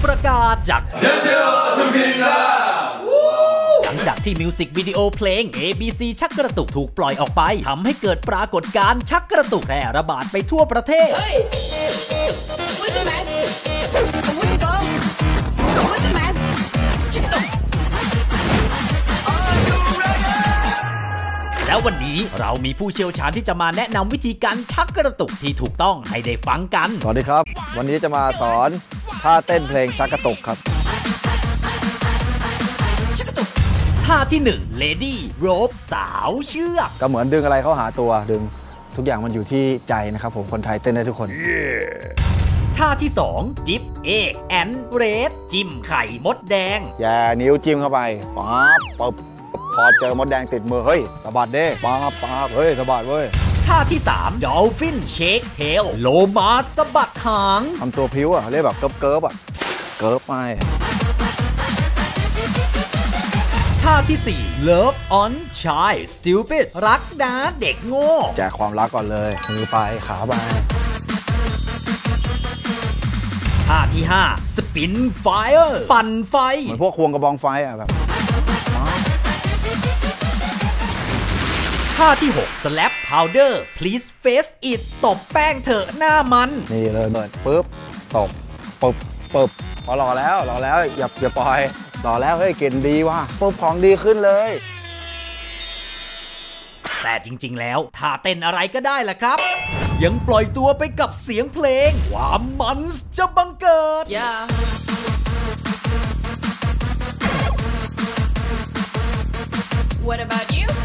ประกาศจากหลังจากที่มิวสิกวิดีโอเพลง ABC ชักกระตุกถูกปล่อยออกไปทำให้เกิดปรากฏการณ์ชักกระตุกแพร่ระบาดไปทั่วประเทศแล้ววันนี้เรามีผู้เชี่ยวชาญที่จะมาแนะนำวิธีการชักกระตุกที่ถูกต้องให้ได้ฟังกันสวัสดีครับวันนี้จะมาสอนท่าเต้นเพลงชักกระตุกครับท่าที่1 Lady Rope สาวเชือกก็เหมือนดึงอะไรเข้าหาตัวดึงทุกอย่างมันอยู่ที่ใจนะครับผมคนไทยเต้นได้ทุกคนท่าที่2 Dip Egg and Red จิ้มไข่มดแดงแย่นิ้วจิ้มเข้าไปปั๊บปุ๊บพอเจอมดแดงติดมือเฮ้ยสะบัดเด้ปั๊บเฮ้ยสะบัดเว้ยท่าที่3 Dolphin Shake Tail โลมาสะบัดหางทำตัวพริ้วเรียกแบบเกิบอ่ะเกิบไปท่าที่4 Love on Shy Stupid รักนะเด็กโง่แจกความรักก่อนเลยมือไปขาไปท่าที่5 Spin Fire ปั่นไฟเหมือนพวกควงกระบองไฟอ่ะแบบท่าที่6 Slap Powder Please Face It ตบแป้งเถอะหน้ามันนี่เลยเปิดปึ๊บตบปึ๊บพอรอแล้วอย่าปล่อยรอแล้วเฮ้ยเก่งดีว่ะปุ๊บของดีขึ้นเลยแต่จริงๆแล้วท่าเต้นอะไรก็ได้ล่ะครับยังปล่อยตัวไปกับเสียงเพลงความมันจะบังเกิด What about you